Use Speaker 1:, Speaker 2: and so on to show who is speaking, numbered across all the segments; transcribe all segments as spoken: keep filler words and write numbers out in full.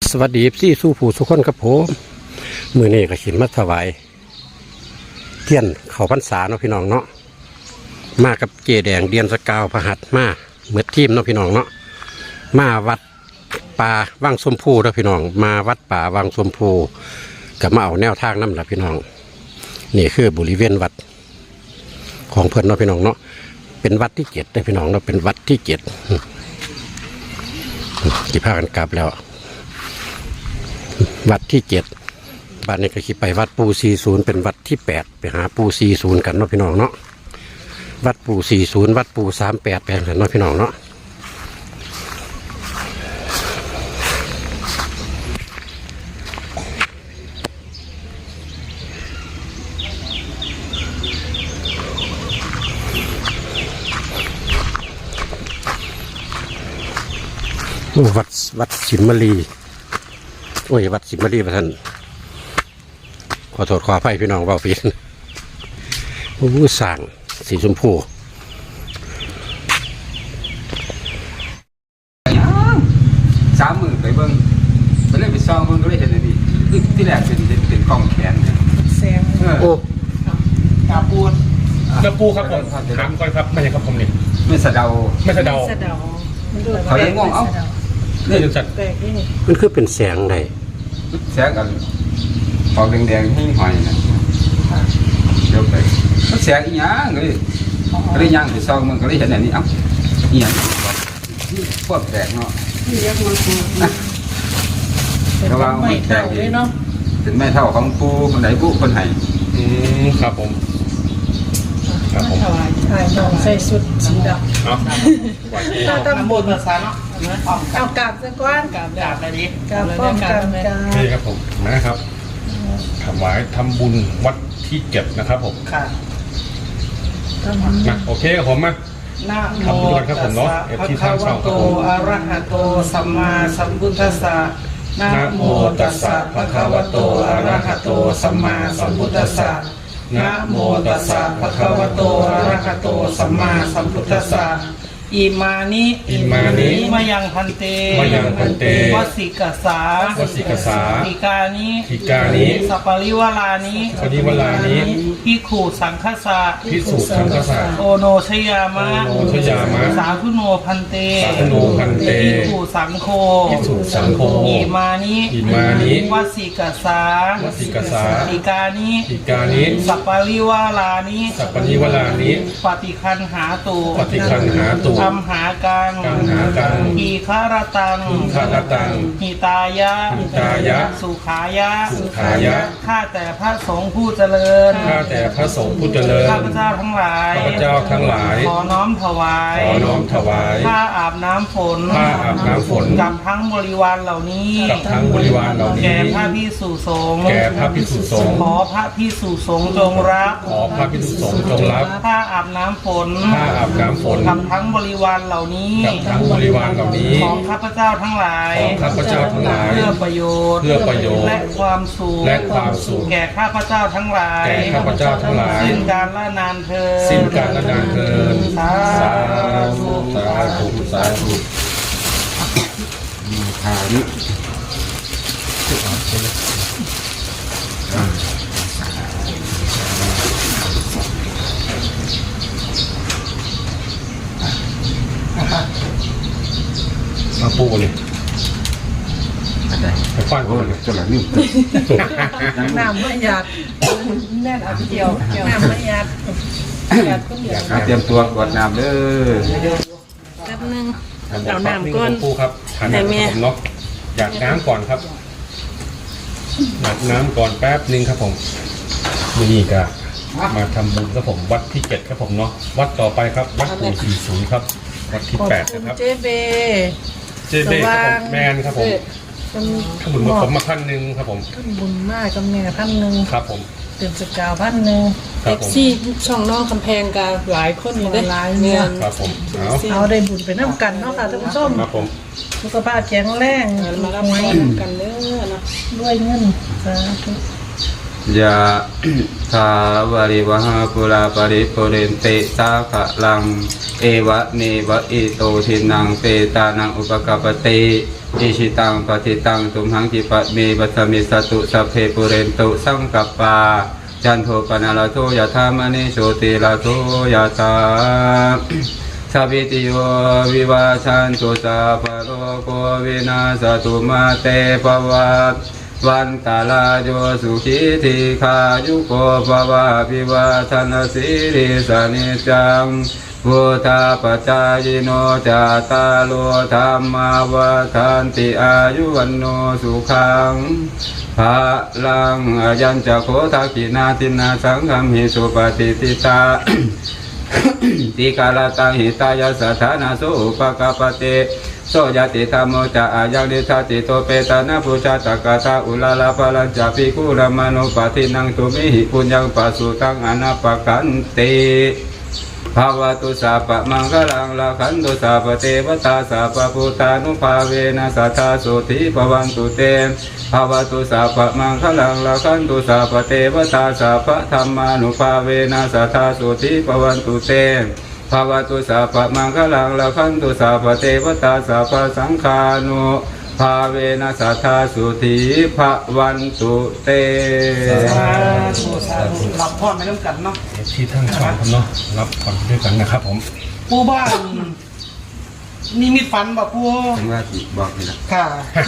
Speaker 1: สวัสดีพี่สู้ผู้สุขคนครับผมมือนี้ก็ขินมาถวายเทียนเขาพรรษาเนาะพี่น้องเนาะมากับเจแดงเดียนสกาวพหัสมาเหมือนทีมเนาะพี่น้องเนาะมาวัดป่าวังสมพูเนาะพี่น้องมาวัดป่าวังสมพูกับมาเอาแนวทางน้ำละพี่น้องนี่คือบริเวณวัดของเพื่อนเนาะพี่น้องเนาะเป็นวัดที่เจ็ดได้พี่น้องเนาะเป็นวัดที่เจ็ดกี่พากันกลับแล้ววัดที่เจ็ดบ้านนี้ก็คิดไปวัดปูสี่ศูนย์เป็นวัดที่แปดไปหาปูสี่ศูนย์กันเนาะพี่น้องเนาะวัดปูสี่ศูนย์วัดปูสามแปดไปกันเนาะพี่น้องเนาะวัดวัดสิมมลีโอ้ยวัดสิมมลีพระท่านขอโทษขออภัยพี่น้องเบาปีนผู้สั่งสีชมพู
Speaker 2: สามหมื่นไปเบิ้งไปเล่นไปซองเบิ้งก็ได้เห็นเลยดิคือที่แรกเป็นเป็นกล้องแขนเนี่ย
Speaker 3: แซง
Speaker 1: โอ้
Speaker 3: กาปูน
Speaker 4: กระปูครับผมถามก่อนครับไม่ใช่ครับผมนี่
Speaker 2: ไม่สะเดา
Speaker 4: ไม่สะเดา
Speaker 2: เขายังงงเอ้า
Speaker 4: นี่จัด
Speaker 1: มันคือเป็นแสงไหน
Speaker 2: แสงกันออกแดงๆให้หอยนะเดี๋ยวไปมันแสงอีหยังเลยก็ได้ย่างไปซองมันก็ได้เห็นอย่างนี้เอ้าอีหยังพวกแตกเนาะระวังไม่แตกเลยเนาะเป็นแม่เท่าของปูคนไหนปูคนไหน
Speaker 4: อืมครับผมครับผม
Speaker 3: ใช่น้องใส่ชุดสีดำ
Speaker 4: เอา
Speaker 3: เราต้องบนภาษาเนาะเอากาบสักก้อนกาบกาบอะไรดีกาบป้องกันกัน
Speaker 4: นี่ครับผมนะครับถวายทำบุญวัดที่เจ็ดนะครับผม
Speaker 3: ค่ะ
Speaker 4: มาโอเคครับผมมาทำบุญกันครับผมเนาะเอฟที่ทางช่องครับผม
Speaker 3: อะระหะโตสัมมาสัมพุทธัสสะนะโมตัสสะภะคะวะโตอะระหะโตสัมมาสัมพุทธัสสะนะโมตัสสะภะคะวะโตอะระหะโตสัมมาสัมพุทธัสสะอิมานิ
Speaker 4: อิมานิ
Speaker 3: มายังพันเต
Speaker 4: มายังพันเต
Speaker 3: วสิกสาว
Speaker 4: สิกสา
Speaker 3: ทิกานิ
Speaker 4: ทิกานิ
Speaker 3: สัปปริวลานิ
Speaker 4: สัปปริวลานิ
Speaker 3: ภิกขุสังฆสะ
Speaker 4: ภิกขุสังฆสะ
Speaker 3: โอโนชยามะ
Speaker 4: โอโนชยามะ
Speaker 3: สาธุโนพันเต
Speaker 4: สาธุโนพันเต
Speaker 3: ภิกขุสังโฆ
Speaker 4: ภิกขุสังโฆ
Speaker 3: อิมานิ
Speaker 4: อิมานิ
Speaker 3: วสิกสาว
Speaker 4: สิกสา
Speaker 3: ทิกานิ
Speaker 4: ทิกานิ
Speaker 3: สัปปริวลานิ
Speaker 4: สัปปริวลานิ
Speaker 3: ปฏิคันหาตุ
Speaker 4: ปฏิคันหาตุ
Speaker 3: อัมหากัง
Speaker 4: กังหากัง
Speaker 3: อีคารตัง
Speaker 4: อีคารตัง
Speaker 3: หิตายะ
Speaker 4: หิตายะ
Speaker 3: สุขายะ
Speaker 4: สุขายะ
Speaker 3: ข้าแต่พระสงฆ์ผู้เจริญ
Speaker 4: ข้าแต่พระสงฆ์ผู้เจริญ
Speaker 3: ข้าพเจ้าทั้งหลาย
Speaker 4: ข้าพเจ้าทั้งหลาย
Speaker 3: ขอน้อมถวาย
Speaker 4: ขอน้อมถวาย
Speaker 3: ผ้าอาบน้ำฝน
Speaker 4: ผ้าอาบน้ำฝน
Speaker 3: กับทั้งบริวารเหล่านี้
Speaker 4: กับทั้งบริวารเหล่านี้
Speaker 3: แก่พระภิกษุสงฆ์
Speaker 4: แก่พระภิกษุสงฆ์
Speaker 3: ขอพระภิกษุสงฆ์จงรับ
Speaker 4: ขอพระภิกษุสงฆ์จงรับ
Speaker 3: ผ้าอาบน้ำฝน
Speaker 4: ผ้าอาบน้ำฝน
Speaker 3: กับทั้งบริวารเหล่านี้
Speaker 4: กับทั้งบริวารเหล่านี้
Speaker 3: ของข้าพเจ้าทั้งหลาย
Speaker 4: ของข้าพเจ้าทั้งหลาย
Speaker 3: เพื่อประโยชน์
Speaker 4: เพื่อประโยชน์
Speaker 3: และความสุข
Speaker 4: และความสุข
Speaker 3: แก่ข้าพเจ้าทั้งหลาย
Speaker 4: แก่ข้าพเจ้าทั้งหลาย
Speaker 3: สิ้นการละนานเทิน
Speaker 4: สิ้นการละนานเทิน
Speaker 3: สาธุ
Speaker 4: สาธุสาธุ
Speaker 2: มีทานิ
Speaker 4: มาปูเลยไปฟันเขาเลย
Speaker 2: จนหลังนี่
Speaker 3: น้ำไม่หยาดแน่นเอาเดียวน้ำไม่หยาดหยาดก็เดียว
Speaker 2: เตรียมตัวกดน้ำเด้อ
Speaker 3: แป๊บนึงเอาน้ำก้น
Speaker 4: ปูครับทานน้ำผมเนาะอยากน้ำก่อนครับอยากน้ำก่อนแป๊บนึงครับผมนี่ก็มาทำบุญครับผมวัดที่เจ็ดครับผมเนาะวัดต่อไปครับวัดปูสี่ศูนย์ครับวัดที่แปดนะครับ
Speaker 3: เจเบ
Speaker 4: เจเบครับแมนครับผมทำบุญมาผมมาพันหนึ่งครับผม
Speaker 3: ทำบุญมากกับแม่พันหนึ่ง
Speaker 4: ครับผม
Speaker 3: เต็มสกาวพันหนึ่ง
Speaker 4: เอ
Speaker 3: ฟซีช่องน้องคำแพงกันหลายคนอยู่ได้หลายเนี่ย
Speaker 4: ครับผมเอา
Speaker 3: เอาได้บุญไปน้ำกันเนาะค่ะท่านผู้ชม
Speaker 4: ครับผม
Speaker 3: สุขภาพแข็งแรงมารับพรกันเด้อนะด้วยเงินสาธุ
Speaker 2: ยะทาวาริวหาปุราปริปุเรนเตสาขะลังเอวะเนวะอิโตทินังเปตานังอุปกปปติอิชิตังปฏิตังตุมหังกิปะเมปัสมิสตุสัพเพปุเรนตุสังกัปปาจันโทปนาลโทยะธามณิโชติลโทยะธาสัพพิติโยวิวาชันตุสัพพะโลกโควินาศตุมาเตภวัตวันตาลาโยสุขีทีขายุโกภวะพิวาทนาสิริสนิจังพุทธาปัจจายโนจาตาโลธรรมาวาทันติอายุวันโนสุขังภาลังอายัญจะโคทักขินาทินาสังฆมหิสุปฏิติตา ติกาลตังหิตายาสถานาสุปกปเตโสยติธรรมโมจะอายังนิทัติโตเปตานาปุจจตกตาอุลาลาภลัญจปิกุลมานุปฏินังตุมิหิปุญญังปัสสุตังอนาปกันติภาวตุสัพพะมังคลังละขันตุสัพพะเทวตาสัพพะพุทธานุภาเวนะสัทธาสุธิภวันตุเตภาวตุสัพพะมังคลังละขันตุสัพพะเทวตาสัพพะธรรมานุภาเวนะสัทธาสุธิภวันตุเตภาวตุสัพพะมังคลังละขันตุสัพพะเทวตาสัพพะสังฆานุภาเวนะสัทธาสุธิภวันตุเต
Speaker 3: สาธุสาธุรับพรไปน้ำกันเนาะ
Speaker 4: ที่ทั้งช่องครับเนาะรับก่อนด้วยกันนะครับผม
Speaker 3: ปูบ้านนิมิตฝันบ่ปู
Speaker 2: จังว่าสิบอกนี่ละ
Speaker 3: ค่ะ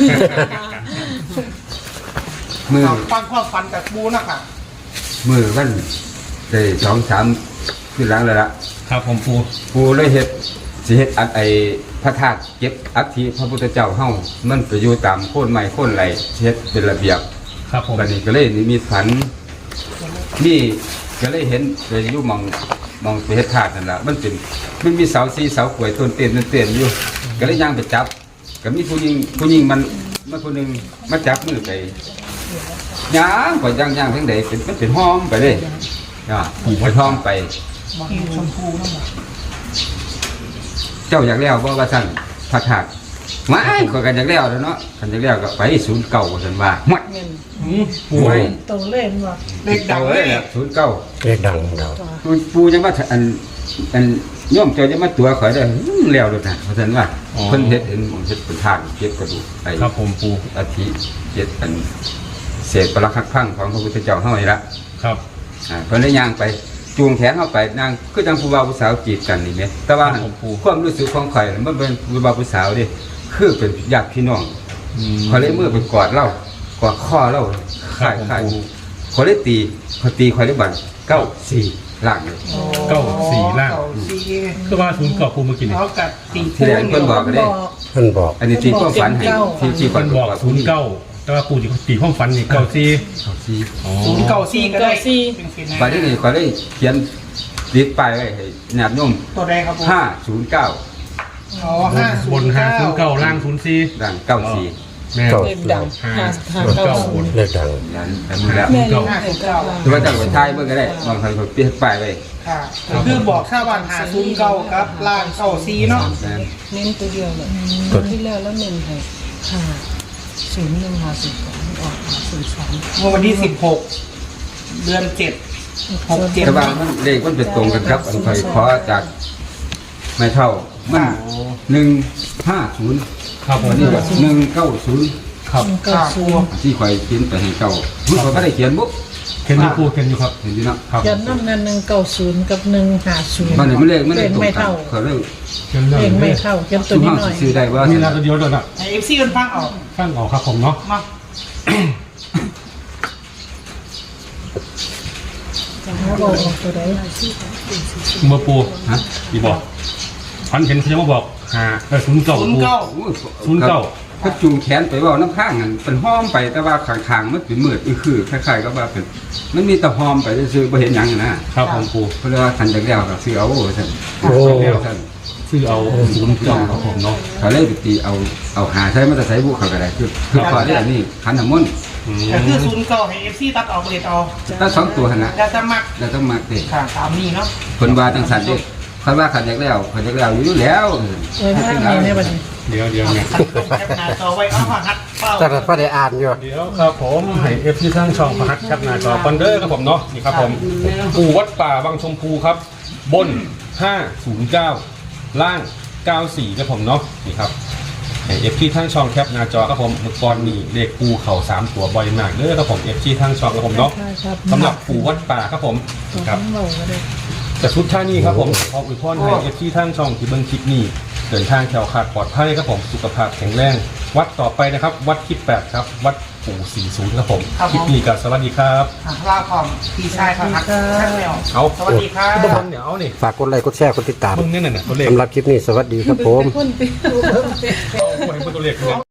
Speaker 2: มือ
Speaker 3: ฟังความฝันจากปูนะค่ะ
Speaker 2: มือวันได้สองสามขึ้นหลังแล้วล่ะ
Speaker 4: ครับผมปู
Speaker 2: ปูเลยเฮ็ดสิเฮ็ดอันไอพระธาตุเก็บอัฐิพระพุทธเจ้าเฮามันไปอยู่ตามโคนไม้โคนไหลเฮ็ดเป็นระเบียบ
Speaker 4: ครับผม
Speaker 2: บัดนี้ก็เลยนิมีฝันนี่ก็เลยเห็นไปอยู่หมองหมองไปเฮ็ดธาตุนั่นล่ะมันเป็นมันมีเสาสีเสากล้วยต้นเตียนต้นเตียนอยู่ก็เลยย่างไปจับก็มีผู้หญิงผู้หญิงมันมันผู้หนึงมาจับมือไปย่างไปย่างย่างทั้งใดเป็นมันเป็นห้อมไปเลยอ่าไปห้อมไป
Speaker 3: ชมพูนั่นแหละ
Speaker 2: เจ้าอยากแล้วบ่ว่าซั่นพระธาตุมาขอยกันอยากแล้วแล้วเนาะกันอยากแล้วก็ไปศูนย์เก่าว่าซั่นว่าหมด
Speaker 4: ปู
Speaker 2: ไว้
Speaker 5: โตเล่นว่า
Speaker 3: เด็กดังเลย
Speaker 2: ศูนย์เก่า
Speaker 1: เรียกดังเรา
Speaker 2: ปูจังว่าอันอันโยมเจ้าจะมาตัวข่อยได้อื้อแล้วโดดน่ะว่าซั่นว่าเพิ่นเฮ็ดเห็นเฮ็ดเป็นทางเก็บกระดูกไอ้
Speaker 4: ครับผมปู
Speaker 2: อาทิเจ็ดอันเศษปรักหักพังของพระพุทธเจ้าเฮานี่ละ
Speaker 4: ครับ
Speaker 2: อ่าเพิ่นได้ย่างไปจูงแขนเข้าไปนางคือจังผู้บ่าวผู้สาวจีบกันนี่แหมแต่ว่าหั่นความรู้สึกของข่อยน่ะมันเป็นผู้บ่าวผู้สาวเด้คือเป็นญาติพี่น้อง
Speaker 4: อืม
Speaker 2: ข่อยเลยมือไปกอดเล่ากอดคอเล่า
Speaker 4: ครั
Speaker 2: ข่า
Speaker 4: บ
Speaker 2: ย
Speaker 4: ผม
Speaker 2: ข่ายข่อยเลยตีข่อยตีข่อยเลยบัดเก้าสี่ล่างเลย
Speaker 4: เก้าสี่ล่าง
Speaker 3: เก้สี่
Speaker 4: คือว่าศูนย์เก่าปูเมื่อกี้นี่
Speaker 3: เอากัดตี
Speaker 2: ที่แรกเพิ่นบอกก็ได้
Speaker 1: เพิ่นบอก
Speaker 2: อันนี้ตีความฝันให้ที่ที่
Speaker 4: เพิ่นบอกศูนย์เก้าแต่ว่าปูจะตีห้องฟันนี่เก้าสี่
Speaker 2: เก้าสี่
Speaker 4: อ๋อ
Speaker 3: ศูนย์เก้าสี่ก็ได้เป็นสินะ
Speaker 2: บัดนี้ข่อยเลยเขียนติดป้ายไว้ให้ญาติโยม
Speaker 3: ตัวใดครับผม
Speaker 2: ห้าศูนย์เก้า
Speaker 3: อ๋อห้าศู
Speaker 4: บ
Speaker 3: น
Speaker 4: น
Speaker 3: ย์
Speaker 4: ห้า
Speaker 3: เก้า
Speaker 4: ศูนย์เก้าล่างศูนย์สี่
Speaker 2: ด่างเก้าสี่
Speaker 4: แม่
Speaker 5: เล่นดัง
Speaker 4: ห้า
Speaker 5: ห้า
Speaker 4: ศู
Speaker 5: ห้าน
Speaker 4: ย์
Speaker 5: เก้า
Speaker 4: เก้า
Speaker 5: ศู
Speaker 4: บ
Speaker 5: น
Speaker 4: น
Speaker 5: ย์
Speaker 1: เรียกดัง
Speaker 2: ยันแต่มือแล้ว
Speaker 5: แม่นี่ห้าเก้า
Speaker 2: หรือว่าจะไปทายเบิ่งก็ได้บางครั้งก็เปลี่ยนป้ายไว้
Speaker 3: ค่ะก็คือบอกชาวบ้านหาศูนย์เก้าครับล่างเก้าสี่เนาะ
Speaker 5: เน้นตัวเดียวเลยตัวที่แล้วแล้วเน้นให้ห้าศูนย์หนึ่งห้าศูนย์สองออกห้าศูนย์สอง
Speaker 3: เมื่อวันที่สิบหกเดือนเจ็ดหกเจ็ด
Speaker 2: แต่ว่ามันเลขมันเป็นตรงกันครับอันข่อยขอจากไม่เท่ามันหนึ่งห้าศูนย์
Speaker 4: ครับผ
Speaker 2: อั
Speaker 4: ม
Speaker 2: นนี้ก็หนึ่งเก้าศูนย์
Speaker 4: ครับ
Speaker 5: เก้าศูนย์
Speaker 2: ที่ข่อยเขียนไปให้เจ้ามันข่อยไม่ได้เขียนบุ๊ก
Speaker 4: เข็นอยู่ปูเข็นอยู่ครับ
Speaker 2: เห็นดีเนาะ
Speaker 4: ครับ
Speaker 5: ยันน้ำนั้นหนึ่งเก้าศูนย์กับหนึ่งห้าศูนย์
Speaker 2: มันนี่มันเลขมันเล
Speaker 5: เล่
Speaker 2: ข
Speaker 5: น
Speaker 2: ตรง
Speaker 5: ไม่
Speaker 2: กัน
Speaker 5: เท่า
Speaker 2: เขาเรื่อง
Speaker 4: เข็นเรื่อ
Speaker 5: เล่น
Speaker 4: ง
Speaker 5: ไม่
Speaker 4: นี้
Speaker 5: เท่ายันตัว
Speaker 2: ซุ่ม
Speaker 5: นี้
Speaker 2: ห้า
Speaker 5: หน่อย
Speaker 2: ซื้อได้ว่า
Speaker 4: มีแล้วก็เดียวเดียวน่ะ
Speaker 3: ไอเอฟซีมันฟังออก
Speaker 4: ฟังออกครับผมเนาะ
Speaker 3: มา
Speaker 5: จะหาบอกตัวใด
Speaker 4: เมื่อปู
Speaker 2: ฮะ
Speaker 4: อีบอกพันเห็นเขาจะมาบอกหาเออศูนย์เก้า
Speaker 3: ศูนย์
Speaker 4: ปู
Speaker 3: เก้า
Speaker 2: โอ้ย
Speaker 4: ศูนย์เก้า
Speaker 2: เขาจูงแขนไปเว่าน้ำข้างนั่นเป็นห้อมไปแต่ว่าข้างๆมันเป็นมืดอีคือคล้ายๆก็ว่าเป็นมันมีแต่ห้อมไปซื้อๆบ่เห็นหยังนะครับ
Speaker 4: ผมปู
Speaker 2: เพราะว่าทันจากแล้วก็ซื้อเอาท่าน
Speaker 1: โอ้
Speaker 2: ท่าน
Speaker 4: ชื่อเอาศูนย์เก้าครับผมเนาะ
Speaker 2: เขาเลยไปตีเอาเอาหาใช้มาแต่ใช้บุกเขาก็ได้คือคือพอได้อันนี้ขันน้ำมนต์
Speaker 4: อืม
Speaker 3: แต่คือศูนย์เก้าให้เอฟซีตัดออกเลยเอา
Speaker 2: ถ้าสองตัวหันนะ
Speaker 3: แล้วจะมัก
Speaker 2: แล้วต้องมาเตะ
Speaker 3: ค่ะตามนี้เนาะ
Speaker 2: คนว่าจังสันเด้เขาว่าขันจากแล้วขันจากแล้วอยู่แล้ว
Speaker 5: เออภาพนี้ในบัดนี้
Speaker 4: เดี๋ยวเดี๋ยวเนี่ย
Speaker 3: แคปหน้าจอไว้เอามาหัดเป้า
Speaker 1: แต่ก็ได้อ่านอยู่
Speaker 4: เดี๋ยวครับผมให้เอฟที่สร้างช่องพหัสครับหน้าจอคอนเดอร์ครับผมเนาะนี่ครับผมปูวัดป่าบางชมพูครับ บนห้าศูนย์เก้าล่างเก้าสี่ครับผมเนาะนี่ครับเอฟซีทั้งช่องแคปหน้าจอครับผมเมื่อก่อนนี่เลขปูเข่าสามตัวบ่อยมากเด้อครับผมเอฟซีทั้งช่องครับผมเนาะสำหรับปูวัดป่าครับผมครับแต่สุดท้ายนี้ครับผมขออวยพรให้เอฟซีทั้งช่องที่เบิ่งคลิปนี้เดินทางแถวขาดปลอดภัยครับผมสุขภาพแข็งแรงวัดต่อไปนะครับ วัดที่แปดครับวัดปู่สี่สิบครับผมคลิปนี้ก็สวัสดีครับ
Speaker 3: ลาความพี่ชายครับทักทักไม่ออก
Speaker 4: เอา
Speaker 3: สวัสดีครับ
Speaker 4: ทุกคนเดี๋ยวเอานี่
Speaker 1: ฝากกดไลค์กดแชร์กดติดตาม
Speaker 4: มึงเนี่ยน่ะตัวเลข
Speaker 1: สำหรับคลิปนี้สวัสดีครับผม
Speaker 5: คนเปรี้ยว
Speaker 4: เอาให้เบิ่งตัวเลขเลย